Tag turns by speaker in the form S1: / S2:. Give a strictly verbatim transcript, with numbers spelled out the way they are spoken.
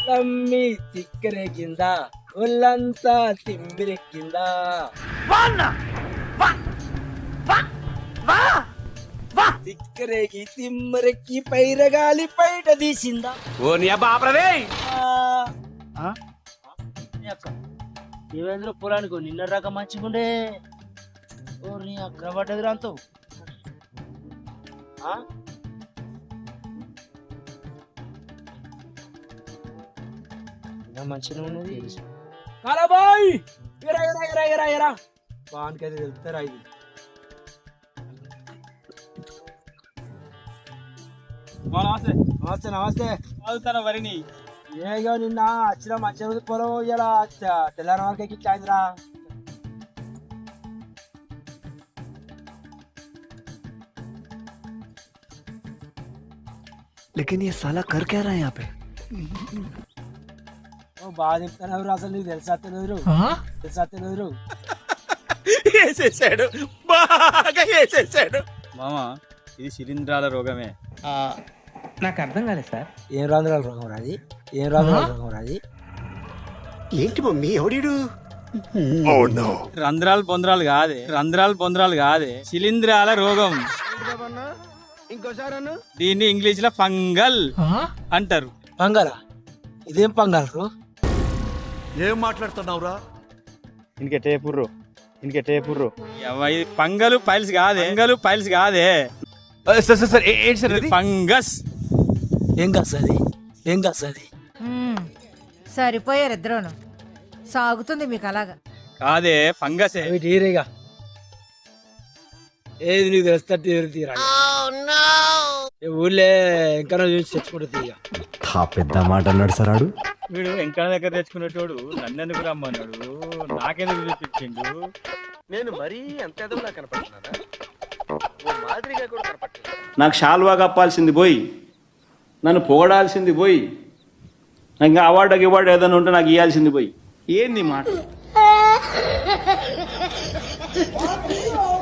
S1: తమ్మి తిక్కరేగిందా ఒళ్ళంతా తిమ్మిరెక్కిందా తిక్కరేగి తిమ్మరెక్కి పైరగాలి బయట తీసిందా
S2: ఓ నీ బాపరదే
S1: దేవేంద్ర పొలానికి నిన్న రకం మంచిగుండే ఓ నీ అక్క పడ్డది రాంతో మంచిగా ఉన్నది కాలాబాయ్ ఎరా ఎరా ఎరా ఎరా ఎరా బాన్కైతే తెలుస్తారా ఇది నమస్తే నమస్తే నమస్తే అవుతారా వరిని ఏగో నిన్న వచ్చిన మంచిగా పొలం ఇలా తెల్లారి వరకు ఎక్కించాయిందిరా
S3: लेकिन ये साला कर क्या रहा है यहाँ पे?
S1: బాగా చెప్తాను అసలు నీకు తెలుసా తెలియదు తెలుసా తెలియదు
S2: వేసేసాడు బాగా వేసేసాడు
S4: మామ ఇది శిలీంధ్రాల రోగమే.
S3: నాకు అర్థం కాలేదు సార్.
S1: ఏం రంధ్రాల రోగం రాది ఏం రంధ్రాల రోగం రాది
S2: ఏంటి మమ్మీ ఎవడీడు
S4: రంధ్రాలు బొంద్రాలు కాదే రంధ్రాలు బొంద్రాలు కాదే శిలీంధ్రాల రోగం.
S2: ఇంకోసారి
S4: దీన్ని ఇంగ్లీష్ లో ఫంగల్ అంటారు.
S1: పంగల ఇదేం పంగలరు
S2: ఏం మాట్లాడుతున్నావురా
S4: ఇంకే టేపుర్రు ఇంకే టేపుర్రు ఇది పంగలు పైల్స్ కాదే పంగలు పైల్స్ కాదే
S2: సార్ సార్ సార్ ఏంటి సార్ అది
S4: ఫంగస్.
S1: ఏం కాస్తుంది ఏం కాస్తుంది
S5: సరిపోయారు ఇద్దరును సాగుతుంది మీకు అలాగా
S4: కాదే ఫంగసే.
S1: తీరేగా ఏది నీకు తెలుస్తట్టు తీరా ఊళ్ళే ఇంకా చూసి తెచ్చుకుంటూ తీయ
S3: పెద్ద మాట అన్నాడు సార్ ఆడు.
S4: వీడు వెంకన్న దగ్గర తెచ్చుకునేటోడు నన్నెందుకు రమ్మన్నాడు నాకెందుకు చూపించిండు.
S2: నేను మరీ అంత ఎదవలా కనపడుతున్నానా మాదిరిగా కూడా కనపడలేదు.
S6: నాకు షాల్వా కప్పాల్సింది పోయి నన్ను పొగడాల్సింది పోయి నాకు ఇంకా అవార్డు గివార్డు ఏదైనా ఉంటే నాకు ఇవ్వాల్సింది పోయి ఏంది మాట